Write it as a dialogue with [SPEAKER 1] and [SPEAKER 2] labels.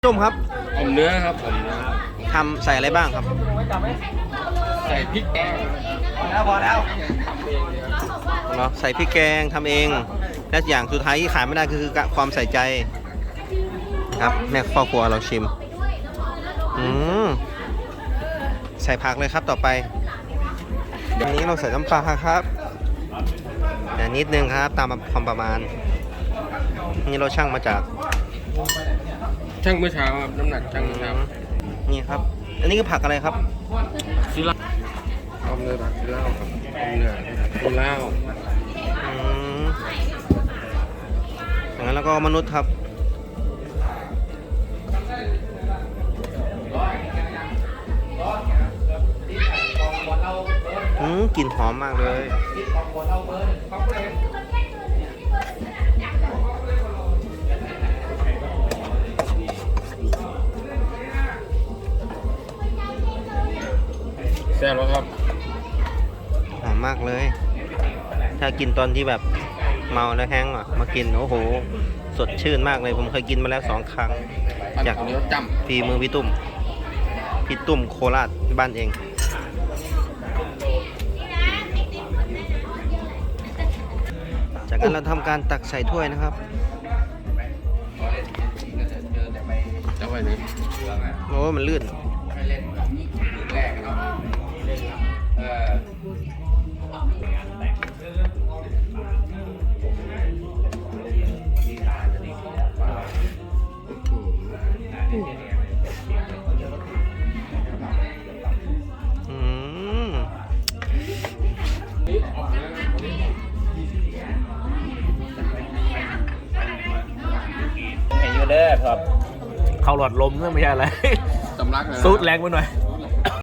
[SPEAKER 1] ส้มครับ
[SPEAKER 2] ผมเนื้อครับผมเนื้อ
[SPEAKER 1] ทำใส่อะไรบ้างครับ
[SPEAKER 2] ใส่พริกแกง
[SPEAKER 1] พอแล้ว
[SPEAKER 2] ทำเองเลยครับ
[SPEAKER 1] เนาะใส่พริกแกงทำเองและอย่างสุดท้ายที่ขายไม่ได้คือความใส่ใจครับแม่ครอบครัวเราชิมใส่ผักเลยครับต่อไปอันนี้เราใส่น้ำปลาครับนิดนึงครับตามความประมาณนี่เราชั่งมาจาก
[SPEAKER 2] ช่างเมื่อเช้าครับน้ำหนักช่างเมื่อเช้า
[SPEAKER 1] นี่ครับอันนี้คือผักอะไรครับ
[SPEAKER 2] ซิล่าเอาเนื้อผักซิล่าครับเอาเนื้อซิล่า
[SPEAKER 1] อย่างนั้นแล้วก็มนุษย์ครับกลิ่นหอมมากเลย
[SPEAKER 2] แซ่บแล้วครับ
[SPEAKER 1] หอมมากเลยถ้ากินตอนที่แบบเมาแล้วแห้งมากินโอ้โหสดชื่นมากเลยผมเคยกินมาแล้ว2 ครั้งจาก
[SPEAKER 2] เนื้อจำ
[SPEAKER 1] ฝีมือพี่ตุ้มโคราชบ้านเองจากนั้นเราทำการตักใส่ถ้วยนะครับ
[SPEAKER 2] จะไว้นี้
[SPEAKER 1] โอ้มันลื่น
[SPEAKER 3] ครับเข้าหลอดลมเนี่ยไม่ใช่อะไร
[SPEAKER 2] สำลักเลย
[SPEAKER 3] ซูดแรงไปหน่อย